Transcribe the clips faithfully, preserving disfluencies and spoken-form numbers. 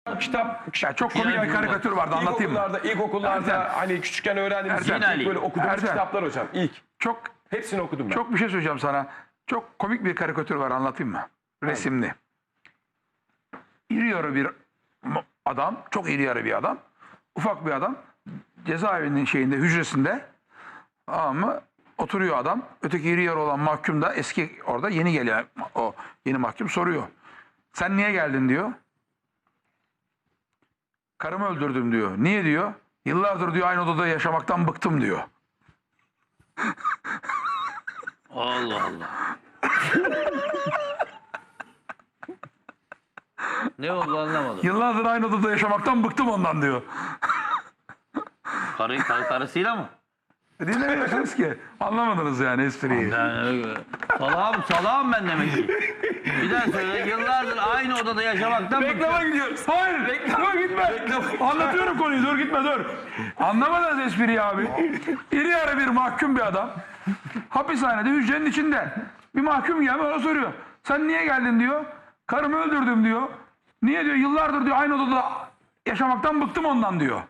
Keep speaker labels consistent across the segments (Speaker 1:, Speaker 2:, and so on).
Speaker 1: kitap, ya çok komik bir karikatür vardı, anlatayım mı?
Speaker 2: İlkokullarda, ilkokullarda
Speaker 1: Ertem.
Speaker 2: hani küçükken öğrendiğimiz
Speaker 1: Ertem.
Speaker 2: ilk böyle okuduğumuz
Speaker 1: Ertem.
Speaker 2: kitaplar hocam. İlk.
Speaker 1: Çok
Speaker 2: Hepsini okudum ben.
Speaker 1: çok bir şey söyleyeceğim sana. Çok komik bir karikatür var, anlatayım mı? Resimli. İri yarı bir adam, çok iri yarı bir adam. Ufak bir adam. Cezaevinin şeyinde, hücresinde. Ama oturuyor adam. Öteki iri yarı olan mahkum da eski orada yeni gelen o yeni mahkum soruyor. Sen niye geldin diyor. Karımı öldürdüm diyor. Niye diyor? Yıllardır diyor aynı odada yaşamaktan bıktım diyor.
Speaker 3: Allah Allah. Ne oldu anlamadım.
Speaker 1: Yıllardır aynı odada yaşamaktan bıktım ondan diyor.
Speaker 3: Karı, kar, karısıyla mı?
Speaker 1: Dinlemiyorsunuz ki. Anlamadınız yani espriyi.
Speaker 3: Yani, salağım, salağım ben demek ki. Bir daha söyle. Yıllardır aynı odada yaşamaktan
Speaker 1: Reklama
Speaker 3: bıktım.
Speaker 1: gidiyoruz. Hayır reklama gitme. Anlatıyorum konuyu, dur gitme dur. Anlamadınız espriyi abi. İri yarı bir mahkum bir adam. Hapishanede hücrenin içinde. Bir mahkum gelmiş ona soruyor. Sen niye geldin diyor. Karımı öldürdüm diyor. Niye diyor, yıllardır diyor aynı odada yaşamaktan bıktım ondan diyor.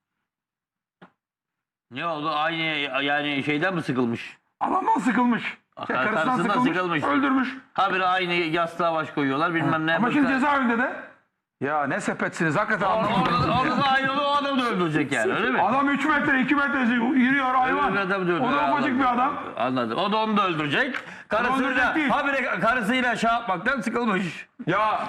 Speaker 3: Ne oldu? Aynı yani şeyden mi sıkılmış?
Speaker 1: Adamdan sıkılmış. Şey,
Speaker 3: Kar-
Speaker 1: karısından
Speaker 3: karısından
Speaker 1: sıkılmış,
Speaker 3: sıkılmış.
Speaker 1: öldürmüş.
Speaker 3: Habire aynı yastığa baş koyuyorlar bilmem ne.
Speaker 1: Ama şimdi
Speaker 3: bıkar-
Speaker 1: cezaevinde de ya ne sepetsiniz hakikaten
Speaker 3: Orada,
Speaker 1: anlamadım.
Speaker 3: orada, orada da aynı o adamı da öldürecek yani öyle mi?
Speaker 1: Adam üç metre iki metre yürüyor hayvan.
Speaker 3: Öbür adam da
Speaker 1: O da
Speaker 3: öldürecek.
Speaker 1: ufacık bir adam.
Speaker 3: Anladım. O da onu da öldürecek.
Speaker 1: öldürecek
Speaker 3: Karısıyla,
Speaker 1: değil.
Speaker 3: habire karısıyla şey yapmaktan sıkılmış.
Speaker 2: Ya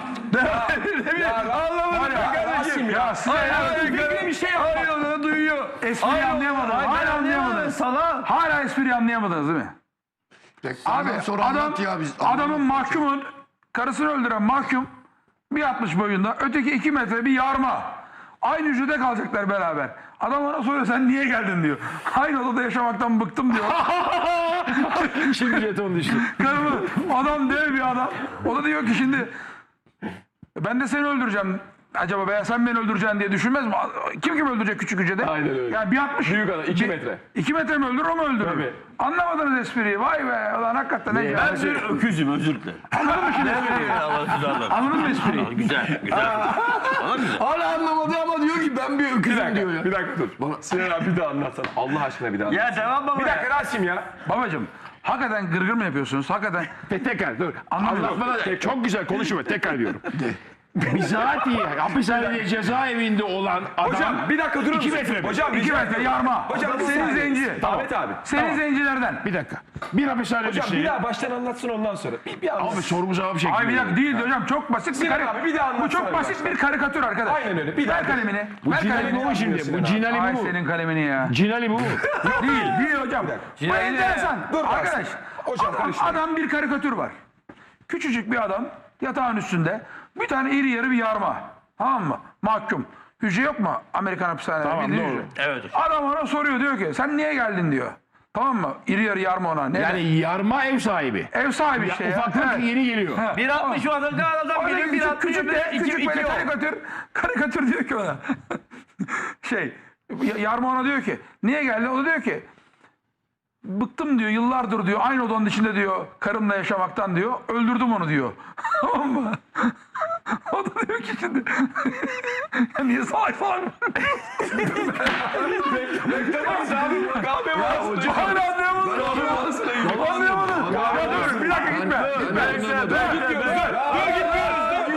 Speaker 1: Anlamadım kardeşim
Speaker 2: ya.
Speaker 1: size ya.
Speaker 2: bir şey
Speaker 3: Hayır onu duyuyor.
Speaker 1: Espriyi anlayamadınız. Hala anlayamadınız.
Speaker 3: Sala.
Speaker 1: Hala espriyi anlayamadınız değil mi? Abi
Speaker 4: sonra
Speaker 1: adam,
Speaker 4: anlat ya biz.
Speaker 1: adamın mahkumun karısını öldüren mahkum bir altmış boyunda, öteki iki metre bir yarma. Aynı hücrede kalacaklar beraber. Adam ona soruyor sen niye geldin diyor. Aynı odada yaşamaktan bıktım diyor.
Speaker 2: Şimdi jeton düştü.
Speaker 1: Karımı, adam dev bir adam. O da diyor ki şimdi ben de seni öldüreceğim. Acaba veya sen beni öldüreceksin diye düşünmez mi? Kim kim öldürecek küçük hücrede?
Speaker 2: Aynen öyle.
Speaker 1: Yani bir altmış.
Speaker 2: Büyük adam, iki
Speaker 1: bir-
Speaker 2: metre.
Speaker 1: iki metre mi öldürür o mu öldürür?
Speaker 2: Tabii.
Speaker 1: Anlamadınız espriyi. Vay be. Ulan hakikaten ne
Speaker 3: Ben bir öküzüm özür dilerim.
Speaker 1: Anladın mı şimdi espriyi?
Speaker 3: Allah güzel.
Speaker 1: Anladın mı espriyi?
Speaker 3: Güzel, güzel. Valla güzel.
Speaker 4: Hala anlamadı ama diyor ki ben bir
Speaker 2: Bir
Speaker 4: öküzüm
Speaker 2: dakika,
Speaker 4: diyor ya.
Speaker 2: bir dakika dur. Sinan abi bir daha anlatsana. Allah aşkına bir daha anlat.
Speaker 3: Ya devam baba.
Speaker 2: Bir dakika Rasim ya.
Speaker 1: Babacım hakikaten gırgır mı yapıyorsunuz? Hakikaten
Speaker 5: Tekrar dur.
Speaker 1: Anlamadım.
Speaker 5: Anlatmada çok güzel konuşma tekrar diyorum. Bizatihi hapishanede cezaevinde olan adam
Speaker 2: Hocam bir dakika durur
Speaker 5: iki
Speaker 2: musun?
Speaker 5: metre mi?
Speaker 2: Hocam
Speaker 1: iki
Speaker 2: rica
Speaker 1: metre
Speaker 2: ediyorum.
Speaker 1: yarma.
Speaker 2: Hocam bir
Speaker 1: senin
Speaker 2: saniye.
Speaker 1: zenci.
Speaker 2: Ahmet abi.
Speaker 1: Senin zencilerden.
Speaker 5: bir dakika. Bir hapishane
Speaker 2: Hocam bir
Speaker 5: düşünelim.
Speaker 2: daha baştan anlatsın ondan sonra. Bir, bir anlat.
Speaker 5: Abi sorumu cevap şeklinde.
Speaker 1: Ay bir dakika değil hocam, çok basit bir
Speaker 2: Sinan
Speaker 1: karikatür.
Speaker 2: abi, bir daha
Speaker 1: Bu
Speaker 2: anlatsana
Speaker 1: çok basit
Speaker 2: baştan.
Speaker 1: bir karikatür arkadaş.
Speaker 2: Aynen öyle, bir
Speaker 1: Ver
Speaker 2: daha.
Speaker 1: kalemini.
Speaker 5: Bu
Speaker 1: Ver
Speaker 5: Cinali
Speaker 1: kalemini.
Speaker 5: bu mu şimdi? Bu Cinali
Speaker 1: Ay
Speaker 5: bu mu?
Speaker 1: senin kalemini ya.
Speaker 5: Cinali bu mu?
Speaker 1: Değil, değil hocam. Bu
Speaker 3: Cinali
Speaker 1: enteresan.
Speaker 2: Dur
Speaker 1: Arkadaş,
Speaker 2: Rasim. Hocam
Speaker 1: adam,
Speaker 2: karıştırma.
Speaker 1: adam bir karikatür var. Küçücük bir adam yatağın üstünde bir tane iri yarı bir yarma. Tamam mı? Mahkum. Hücre yok mu Amerikan hapishanelerinde?
Speaker 5: Tamam,
Speaker 1: Bildiğin
Speaker 5: doğru.
Speaker 1: hücre.
Speaker 3: Evet.
Speaker 1: Adam ona soruyor, diyor ki sen niye geldin diyor. Tamam mı? İri yarı yarma ona. Ne?
Speaker 5: Yani yarma ev sahibi.
Speaker 1: Ev sahibi
Speaker 5: Ya,
Speaker 1: işte ya.
Speaker 5: ufaklık
Speaker 1: Evet.
Speaker 5: yeni geliyor.
Speaker 1: Ha.
Speaker 3: bir altmış o adam adam
Speaker 1: Orada
Speaker 3: geliyor bir
Speaker 1: küçük,
Speaker 3: altmış
Speaker 1: küçük, de,
Speaker 3: iki
Speaker 1: küçük böyle
Speaker 3: iki o.
Speaker 1: karikatür, karikatür diyor ki ona. şey, y- yarma ona diyor ki, niye geldin? O da diyor ki, bıktım diyor, yıllardır diyor, aynı odanın içinde diyor, karımla yaşamaktan diyor, öldürdüm onu diyor. Tamam mı? O da diyor ki şimdi, ya niye salak salak?
Speaker 2: Beklemeyiz abi. Kahve molası.
Speaker 1: Hala anlayamadım. Anlayamadım. Ya dur, bir dakika gitme. Gitme. Dur, gitmiyoruz. Dur, gitmiyoruz.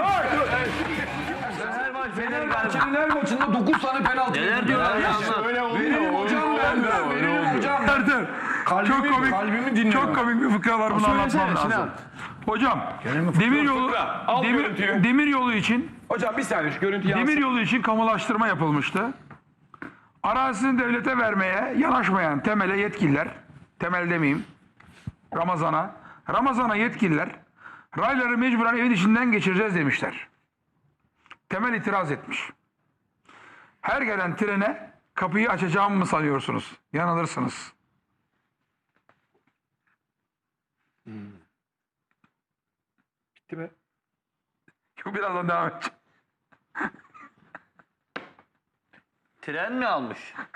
Speaker 4: Fenerbahçe'nin her maçında dokuz tane penaltı.
Speaker 3: Neler diyorlar ya?
Speaker 5: Öyle olmuyor.
Speaker 4: Benim hocam ben, ben, benim hocam.
Speaker 1: Ertem, çok komik,
Speaker 4: kalbimi dinliyor.
Speaker 1: çok komik bir fıkra var, bunu
Speaker 5: Söylesene
Speaker 1: anlatmam lazım.
Speaker 5: Sinan.
Speaker 1: Hocam, demir yolu,
Speaker 2: Fıkra, al
Speaker 1: demir,
Speaker 2: görüntüyü.
Speaker 1: demir yolu için,
Speaker 2: Hocam bir saniye şu görüntüyü
Speaker 1: demir
Speaker 2: yansıt.
Speaker 1: yolu için kamulaştırma yapılmıştı. Arazisini devlete vermeye yanaşmayan Temel'e yetkililer, Temel demeyeyim, Ramazan'a, Ramazan'a yetkililer, rayları mecburen evin içinden geçireceğiz demişler. Temel itiraz etmiş. Her gelen trene kapıyı açacağımı mı sanıyorsunuz? Yanılırsınız.
Speaker 2: Bitti mi?
Speaker 1: Birazdan devam edeceğim.
Speaker 3: Tren mi almış?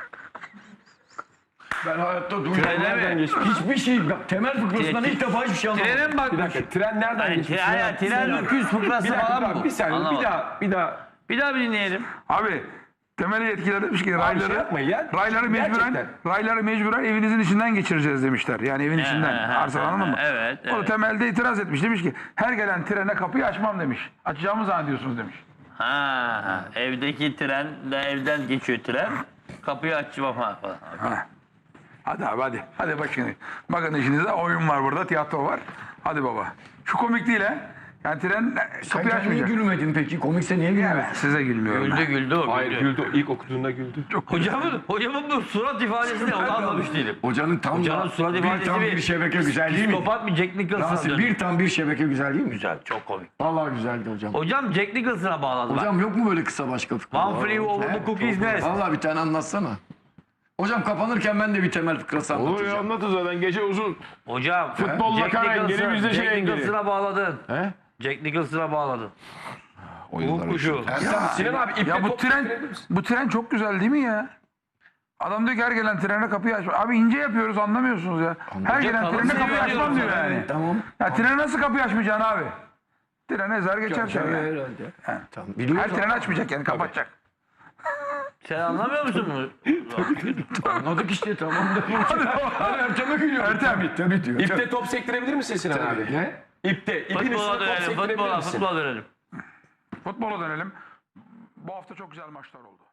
Speaker 4: Ben hayatta
Speaker 3: Trene
Speaker 4: duymadım.
Speaker 3: mi?
Speaker 2: geçmiş?
Speaker 4: Hiçbir şey, bak, temel fıkrasından ilk defa hiçbir şey anlamadım.
Speaker 3: Trene mi
Speaker 2: Bir
Speaker 3: bakmış?
Speaker 2: dakika tren nereden
Speaker 3: Yani
Speaker 2: geçmiş?
Speaker 3: tren, tren öküz
Speaker 2: Bir
Speaker 3: fıkrası
Speaker 2: dakika
Speaker 3: falan
Speaker 2: bak,
Speaker 3: mı bu?
Speaker 2: bir saniye
Speaker 3: Anlamadım.
Speaker 2: bir daha bir daha
Speaker 3: Bir daha bir dinleyelim.
Speaker 1: Abi temel yetkililer demiş ki
Speaker 2: şey
Speaker 1: rayları,
Speaker 2: yapmayın ya.
Speaker 1: rayları mecburen,
Speaker 2: Gerçekten.
Speaker 1: rayları mecburen evinizin içinden geçireceğiz demişler. Yani evin içinden.
Speaker 3: he,
Speaker 1: Arslan
Speaker 3: he,
Speaker 1: anladın mı?
Speaker 3: evet,
Speaker 1: O da
Speaker 3: evet.
Speaker 1: temelde itiraz etmiş. Demiş ki her gelen trene kapıyı açmam demiş. Açacağımı zannediyorsunuz demiş.
Speaker 3: Ha, evdeki tren de evden geçiyor tren. Kapıyı açmam ha falan.
Speaker 1: Ha. Hadi abi hadi. Hadi bakın. Bakın işinizde oyun var burada. Tiyatro var. Hadi baba. Şu komik değil he. Yani tren
Speaker 4: Sen
Speaker 1: kapıyı
Speaker 4: kendine
Speaker 1: açmayacak.
Speaker 4: gülmedin peki? Komikse niye gülmedin?
Speaker 1: Evet, size gülmüyorum.
Speaker 3: Güldü
Speaker 1: ben.
Speaker 3: güldü o
Speaker 2: Hayır
Speaker 3: güldü.
Speaker 2: güldü. İlk okuduğunda güldü.
Speaker 3: Hocamın, hocamın bu surat ifadesi ne onu anlamış değilim.
Speaker 4: Hocanın tam
Speaker 3: Hocanın
Speaker 4: da
Speaker 3: surat
Speaker 4: bir
Speaker 3: ifadesi
Speaker 4: tam
Speaker 3: bir-
Speaker 4: bir şebeke güzel değil mi?
Speaker 3: Psikopat bir Jack Nicholson'a
Speaker 4: Rasim
Speaker 3: döndü.
Speaker 4: bir tam bir şebeke güzel değil mi?
Speaker 3: Güzel, çok komik.
Speaker 4: Vallahi güzeldi hocam.
Speaker 3: Hocam Jack Nicholson'a bağladı bak.
Speaker 4: Hocam yok mu böyle kısa başka fıkra?
Speaker 3: One free over the cookies nest.
Speaker 4: Vallahi bir tane anlatsana. Hocam kapanırken ben de bir temel fıkrası
Speaker 5: Olur ya
Speaker 4: anlatacağım.
Speaker 5: anlatın zaten gece uzun.
Speaker 3: Hocam
Speaker 5: Futbolla
Speaker 3: Jack
Speaker 5: kara engeli,
Speaker 3: Nicholson-
Speaker 5: bizde şey
Speaker 3: Jack
Speaker 5: engeli.
Speaker 3: Nicholson'a bağladın.
Speaker 5: He?
Speaker 3: Jack Nicholson'a bağladın. Uğur kuşu.
Speaker 2: Sinan abi ipte
Speaker 1: Ya bu
Speaker 2: top
Speaker 1: tren
Speaker 2: sektirebilir misin?
Speaker 1: bu tren çok güzel değil mi ya? Adam diyor ki her gelen trene kapıyı açma. Abi ince yapıyoruz anlamıyorsunuz ya. Her gelen
Speaker 3: kalın
Speaker 1: trene kapıyı
Speaker 3: seviyor
Speaker 1: açmam diyor
Speaker 3: diyoruz
Speaker 1: yani.
Speaker 4: Tamam.
Speaker 1: Ya trene nasıl kapıyı açmayacaksın abi? Tren ezer geçer seni yani.
Speaker 4: Herhalde. Tamam.
Speaker 1: Her
Speaker 4: Biliyoruz.
Speaker 1: tren açmayacak yani kapatacak.
Speaker 3: Sen anlamıyor musun bunu?
Speaker 4: Anladık işte tamam da. Hadi Ertem'e gülüyorum.
Speaker 1: Ertem.
Speaker 4: Tabii diyor.
Speaker 2: İpte top sektirebilir misin Sinan abi?
Speaker 4: Ne?
Speaker 2: İpte. İpin üstüne
Speaker 3: Futbola
Speaker 2: top
Speaker 3: dönelim,
Speaker 2: sektirebilir
Speaker 3: futbola,
Speaker 2: misin?
Speaker 3: futbola dönelim.
Speaker 1: Futbola dönelim. Bu hafta çok güzel maçlar oldu.